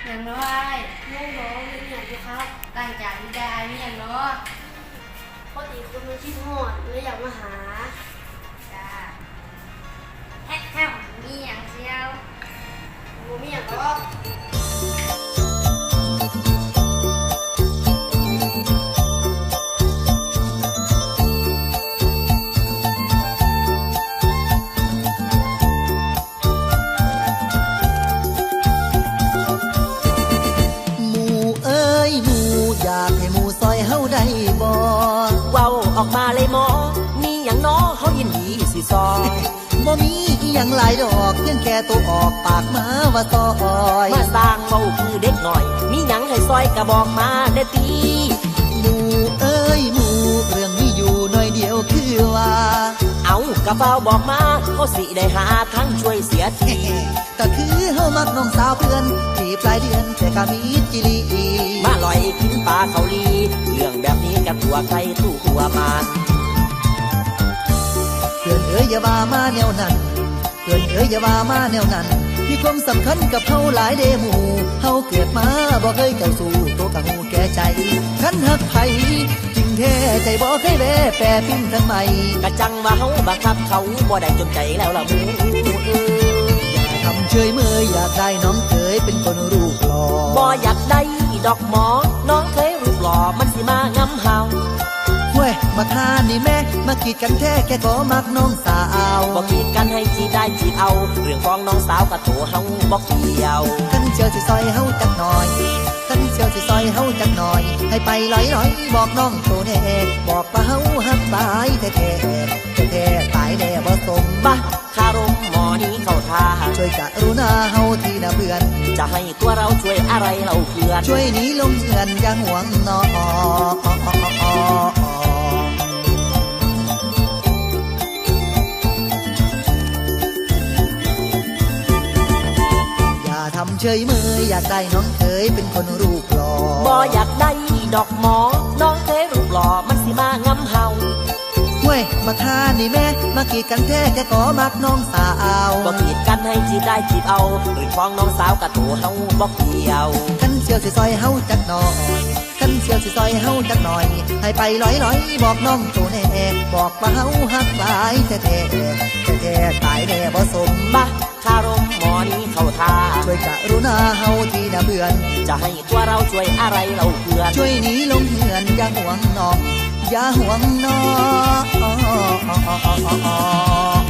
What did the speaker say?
อย่างน้อยน้องน้องเป็นอย่างไรครับต่างจากวิดาเนี่ยเนาะพอดีคุณมาที่หอดเลยอยากมาหาจ้าแฮ่มีอย่างเชียวมีอย่างก็อยากให้หมู่ซอยเฮาได้บ่เว้าออกมาเลยหมอมีหยังน้อเฮายินดีสิซอยบ่มีอีหยังหลายดอกเพียงแค่ตัวออกปากมาว่าซอยมาสร้างเว้าคือเด็กหน่อยมีหยังให้ซอยก็บอกมาเด้อติหมู่เอ้ยหมู่เรื่องนี้อยู่หน่อยเดียวคือว่าเอากระเป๋าบอกมาเขาสิได้หาทั้งช่วยเสียทีก็คือเฮามักน้องสาวเพื่อนที่ปลายเดือนแต่ก็มีจิลีมาลอยกินปลาเกาหลีเรื่องแบบนี้กับตัวใครตู้ตัวมันเพื่อนเอ๋ยอย่าว่ามาแนวนั้นเพื่อนเอ๋ยอย่าว่ามาแนวนั้นมีความสำคัญกับเฮาหลายเดหมู่เฮาเกิดมาบ่เคยเจ้าสู่ตัวกะหูแก่ใจคันหักไผจริงแท้ใจบ่เคยแวแปรปิ้นทั้งใหม่กะจังว่าเฮาบังคับเขาบ่ได้จนใจแล้วล่ะหมู่อย่าทำเฉยเมยอยากได้น้องเคยเป็นคนรูปหล่อบ่อยากได้ดอกหมอน้องเคยรูปหล่อมันสิมางำเฮาเว้ยมาฆ่านี่แม่มากีดกันแท้แค่ก็มักน้องสาวบอกกีดกันให้จีได้จีเอาเรื่องของน้องสาวกับตัวเฮาบอกเกี่ยวกันเชียวสิซอยเฮาจักหน่อยกันเชียวสิซอยเฮาจักหน่อยให้ไปลอยๆบอกน้องโตแน่บอกว่าเฮาหักตายแท้ตายแน่บ่สมบ้าคารมหมอนี้เข้าท่าช่วยกรุณาเฮาทีนะเพื่อนจะให้ตัวเราช่วยอะไรเราเพื่อนช่วยหนีลงเงินอย่าห่วงน้อทำเฉยเมยอยากได้น้องเคยเป็นคนรูปหล่อบ่อยากได้ดอกหมอน้องเคยรูปหล่อมันสิมางำเฮาเว้ยมาฆ่านี่แม่มากีดกันแท้แค่ก็มักน้องสาวบ่กีดกันให้จีได้จีบเอาเรื่องของน้องสาวกับตัวเฮาบ่เกี่ยวกันเชียวสิซอยเฮาจักหน่อยกันเชียวสิซอยเฮาจักหน่อยให้ไปลอยบอกน้องตัวแน่บอกว่าเฮาหักหลายแท้ตายแน่บ่สมบ้าคารมหมอนี้เข้าท่าช่วยกรุณาเฮาทีนะเพื่อนจะให้ตัวเราช่วยอะไรเราเพื่อนช่วยหนีลงเหือนอย่าห่วงน้องอย่าห่วงน้อง